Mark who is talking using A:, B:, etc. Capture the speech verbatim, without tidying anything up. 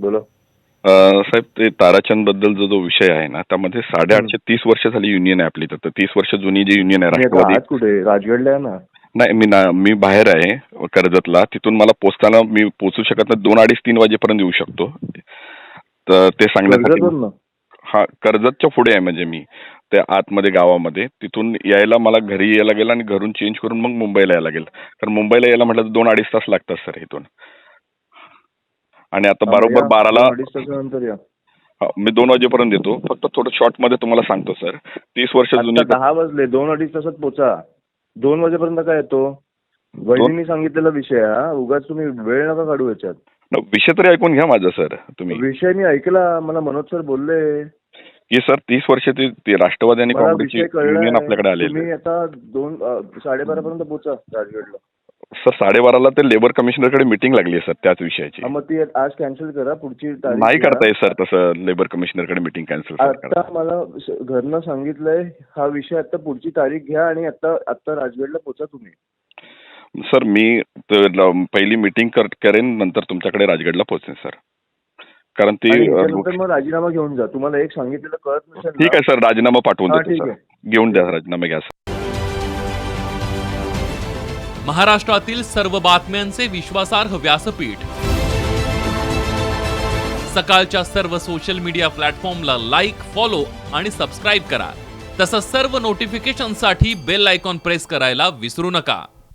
A: बोला.
B: अ, साहेब ते ताराचंद बद्दल जो जो विषय आहे ना त्यामध्ये साडेआठशे तीस वर्ष झाली युनियन आहे आपली. तर तीस वर्ष जुनी जी युनियन आहे
A: मी आता
B: राष्ट्रवादी.
A: आत कुठे राजगडला आहे ना.
B: नाही मी ना मी बाहेर आहे कर्जतला. तिथून मला पोचताना मी पोचू शकत नाही. दोन अडीच तीन वाजेपर्यंत येऊ शकतो. तर ते सांगण्यासाठी
A: कर्जतवरनं?
B: हा कर्जतच्या पुढे आहे म्हणजे मी त्या आतमध्ये गावामध्ये. तिथून यायला मला घरी यायला लागेल आणि घरून चेंज करून मग मुंबईला यायला लागेल. कारण मुंबईला यायला म्हटलं तर दोन अडीच तास लागतात सर इथून. आणि आता
A: हा, मग
B: बरोबर
A: या.
B: बाराला
A: दोन अडीच तासानंतर या.
B: हा, मी दोन वाजेपर्यंत येतो. फक्त थोडं शॉर्ट मध्ये तुम्हाला सांगतो सर. तीस वर्ष जुनी
A: आता दहा वाजले, दोन अडीच तासात पोचा. दोन वाजेपर्यंत काय येतो? वहिनींनी सांगितलेला विषय हा. उगाच तुम्ही वेळ नका काढू याच्यात.
B: न, विषय तरी ऐकून घ्या माझा सर तुम्ही.
A: विषय मी ऐकला. मला मनोज सर बोलले
B: की सर तीस वर्ष ते ते राष्ट्रवादी आणि
A: मला
B: काँग्रेसची
A: विषय
B: युनियन
A: कळलाय.
B: आपल्याकडे आलेली
A: तुम्ही
B: आहे.
A: आता दोन साडेबारा पर्यंत पोचा राजगडला.
B: सर साडेबाराला ते लेबर कमिशनरकडे मिटिंग लागली आहे सर त्याच विषयाची.
A: हा, मग ती आज कॅन्सल करा. पुढची तारीख
B: नाही
A: घ्या.
B: करता येत सर तसं लेबर कमिशनरकडे मिटिंग कॅन्सल
A: आता मला स- घरनं सांगितलंय हा विषय. आता पुढची तारीख घ्या आणि आता आता राजगडला पोचा तुम्ही.
B: सर मी त- ल- पहिली मिटिंग करेन नंतर तुमच्याकडे राजगडला पोहोचेन सर. कारण ती
A: आणि
B: अ,
A: त्याच्यानंतर मग राजीनामा घेऊन जा. तुम्हाला एक सांगितलेलं कळत नसेल ना?
B: ठीक आहे सर राजीनामा पाठवून
A: हा,
B: देतो
A: ठीक
B: सर.
A: आहे.
B: घेऊन द्या राजीनामा घ्या सर.
C: महाराष्ट्रातील सर्व बातम्यांचे विश्वासार्ह व्यासपीठ. सकाळच्या सर्व सोशल मीडिया प्लॅटफॉर्मला लाईक, फॉलो आणि सबस्क्राईब करा. तसंच सर्व नोटिफिकेशनसाठी बेल आयकॉन प्रेस करायला विसरू नका.